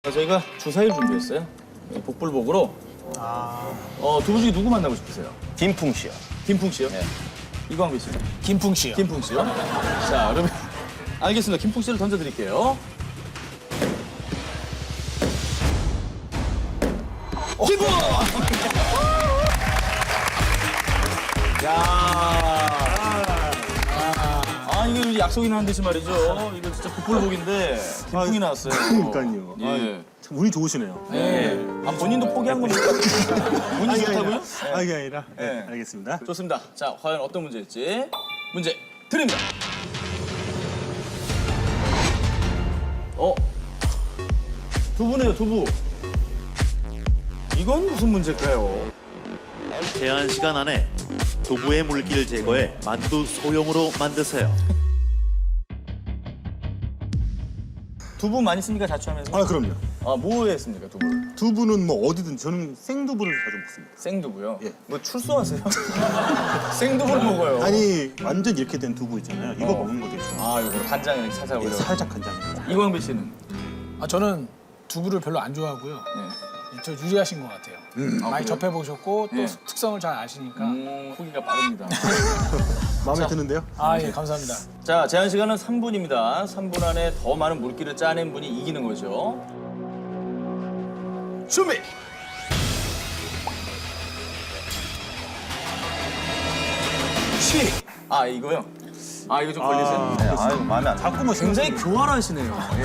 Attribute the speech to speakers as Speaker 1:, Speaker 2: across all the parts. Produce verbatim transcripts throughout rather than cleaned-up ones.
Speaker 1: 저희가 주사위를 준비했어요. 복불복으로.
Speaker 2: 아.
Speaker 1: 어, 두 분 중에 누구 만나고 싶으세요?
Speaker 3: 김풍 씨요.
Speaker 1: 김풍 씨요?
Speaker 3: 네.
Speaker 1: 이광배 씨요?
Speaker 2: 김풍 씨요.
Speaker 1: 김풍 씨요? 자, 그러면 알겠습니다. 김풍 씨를 던져드릴게요. 김풍! 야. 아, 이게 약속이나 한 듯이 말이죠. 이거 진짜 복불복인데 김풍이 나왔어요.
Speaker 4: 그러니까요.
Speaker 1: 예.
Speaker 4: 참 운이 좋으시네요.
Speaker 1: 네. 아, 본인도 포기한 겁니까? 본인 좋다고요?
Speaker 4: 아, 이게 아니라. 네,
Speaker 1: 네.
Speaker 4: 알겠습니다.
Speaker 1: 좋습니다. 자, 과연 어떤 문제일지 문제 드립니다. 어? 두부네요, 두부. 이건 무슨 문제일까요?
Speaker 5: 제한 시간 안에 두부의 물기를 제거해 만두 소형으로 만드세요.
Speaker 1: 두부 많이 씁니까, 자취하면서?
Speaker 4: 아, 그럼요.
Speaker 1: 아, 뭐에 씁니까, 두부를?
Speaker 4: 두부는 뭐 어디든 저는 생두부를 자주 먹습니다.
Speaker 1: 생두부요?
Speaker 4: 예.
Speaker 1: 뭐 출소하세요? 생두부를 먹어요.
Speaker 4: 아니, 완전 이렇게 된 두부 있잖아요. 이거
Speaker 1: 어.
Speaker 4: 먹는 거 되게 좋아요.
Speaker 1: 아, 이거 간장에 이렇게 살살
Speaker 4: 예,
Speaker 1: 올려.
Speaker 4: 살짝 간장입니다.
Speaker 1: 이광배 씨는?
Speaker 2: 아, 저는 두부를 별로 안 좋아하고요.
Speaker 1: 네.
Speaker 2: 저 유리하신 것 같아요. 많이
Speaker 1: 그래요?
Speaker 2: 접해보셨고 또
Speaker 1: 예.
Speaker 2: 특성을 잘 아시니까.
Speaker 1: 음, 후기가 빠릅니다.
Speaker 4: 마음에 드는데요?
Speaker 2: 아, 예, 감사합니다.
Speaker 1: 자, 제한 시간은 삼 분입니다. 삼 분 안에 더 많은 물기를 짜낸 분이 이기는 거죠. 준비! 시! 아, 이거요? 아, 이거 좀 걸리세요?
Speaker 3: 네, 아유, 마음에 안 들어요.
Speaker 4: 자꾸 뭐
Speaker 1: 굉장히 교활하시네요. 예.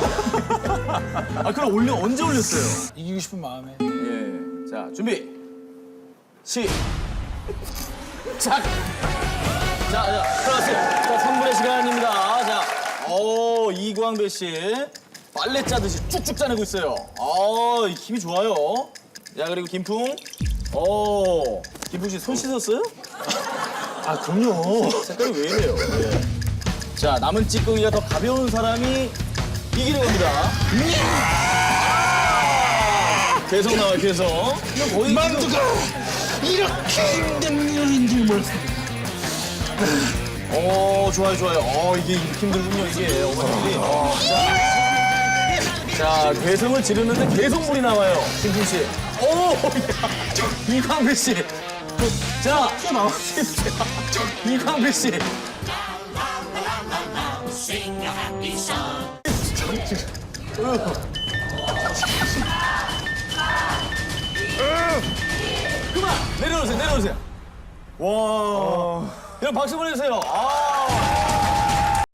Speaker 1: 아, 그럼 올려, 언제 올렸어요?
Speaker 2: 이기고 싶은 마음에.
Speaker 1: 예. 자, 준비! 시! 작! 자, 자, 들어갔어요. 자, 삼 분의 시간입니다. 자, 오, 이광배 씨. 빨래 짜듯이 쭉쭉 짜내고 있어요. 아, 힘이 좋아요. 자, 그리고 김풍. 오, 김풍 씨 손 씻었어요?
Speaker 4: 아, 그럼요.
Speaker 1: 색깔이 왜 이래요? 예. 자, 남은 찌꺼기가 더 가벼운 사람이 이기는 겁니다. 아! 계속 나와요, 계속. 이거 거의 만두가
Speaker 4: 이렇게 힘든 일인 줄 몰랐어요.
Speaker 1: 오, 좋아요, 좋아요. 어, 이게 힘들군요, 이게. 어머님들이. 어, 자, 자, 괴성을 지르는데 계속 물이 나와요, 김풍 씨. 오, 야, 이광배 씨. 자, 튀어나오십시오. 이광배 씨. 그만! 내려오세요, 내려오세요. 와. 여러분, 박수 보내주세요. 아.